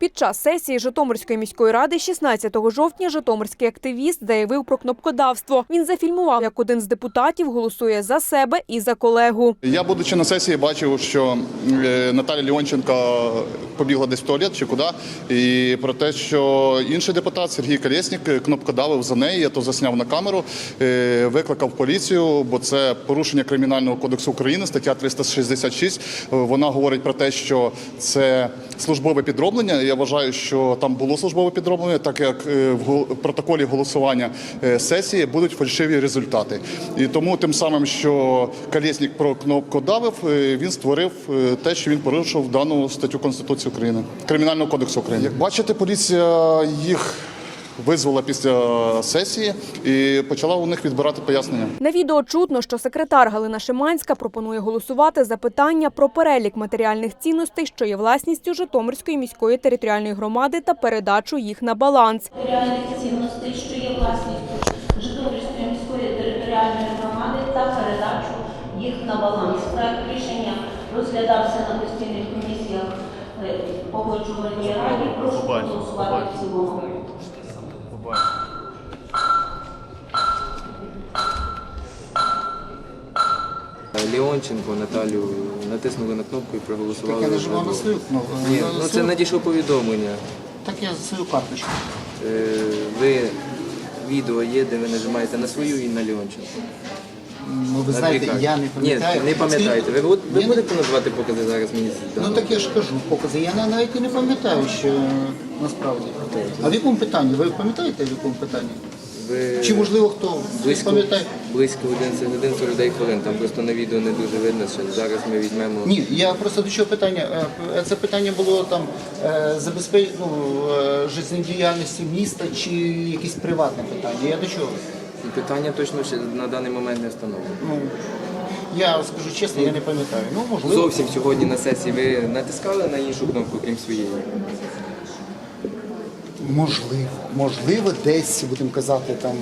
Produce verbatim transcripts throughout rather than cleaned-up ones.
Під час сесії Житомирської міської ради шістнадцятого жовтня житомирський активіст заявив про кнопкодавство. Він зафільмував, як один з депутатів голосує за себе і за колегу. Я, будучи на сесії, бачив, що Наталя Леонченко побігла десь в туалет чи куди, і про те, що інший депутат Сергій Колєснік кнопкодавив за неї, я то засняв на камеру, викликав поліцію, бо це порушення Кримінального кодексу України, стаття триста шістдесят шість. Вона говорить про те, що це службове підроблення. Я вважаю, що там було службове підроблення, так як в протоколі голосування сесії будуть фальшиві результати. І тому тим самим, що Колєснік про кнопкодавив, він створив те, що він порушив дану статтю Конституції України, Кримінального кодексу України. Як бачите, поліція їх визвала після сесії і почала у них відбирати пояснення. На відео чутно, що секретар Галина Шиманська пропонує голосувати за питання про перелік матеріальних цінностей, що є власністю Житомирської міської територіальної громади, та передачу їх на баланс. Матеріальних цінностей, що є власністю Житомирської міської територіальної громади, та передачу їх на баланс. Проект рішення розглядався на постійних комісіях Погоджувальній раді. Прошу голосувати в цілому. Леонченко Наталю натиснули на кнопку і проголосували. Так я нажимав на свою кнопку. Ні, ну це надійшло повідомлення. Так я за свою карточку. Е, ви, відео є, де ви нажимаєте на свою і на Леонченко. Ну, ви знаєте, я не пам'ятаю. Ні, не пам'ятаєте. Ви, ви Ні, будете надавати покази зараз мені? Ну так я ж кажу, покази. Я навіть і не пам'ятаю, що насправді. А в якому питанні? Ви пам'ятаєте, в якому питанні? Ви... Чи можливо хто Близько, пам'ятає? близько одинадцять годин хвилин. Там просто на відео не дуже видно, що зараз ми візьмемо... Ні, я просто до чого питання. Е, Це питання було там е, забезпечення ну, е, життєдіяльності міста чи якесь приватне питання. Я до чого? Питання точно ще на даний момент не встановлено. Ну, я скажу чесно, я не пам'ятаю. Ну, можливо. Зовсім сьогодні на сесії ви натискали на іншу кнопку, крім своєї? Можливо. Можливо, десь, будемо казати, там...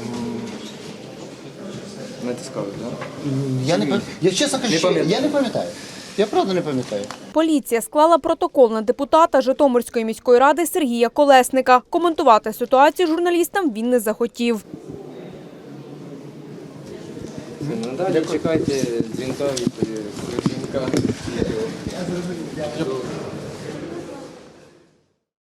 Натискали, так? Я не пам'ятаю. Я чесно кажу, Не я не пам'ятаю. Я правда не пам'ятаю. Поліція склала протокол на депутата Житомирської міської ради Сергія Колесника. Коментувати ситуацію журналістам він не захотів. Ну, далі чекайте дзвінка від працівника.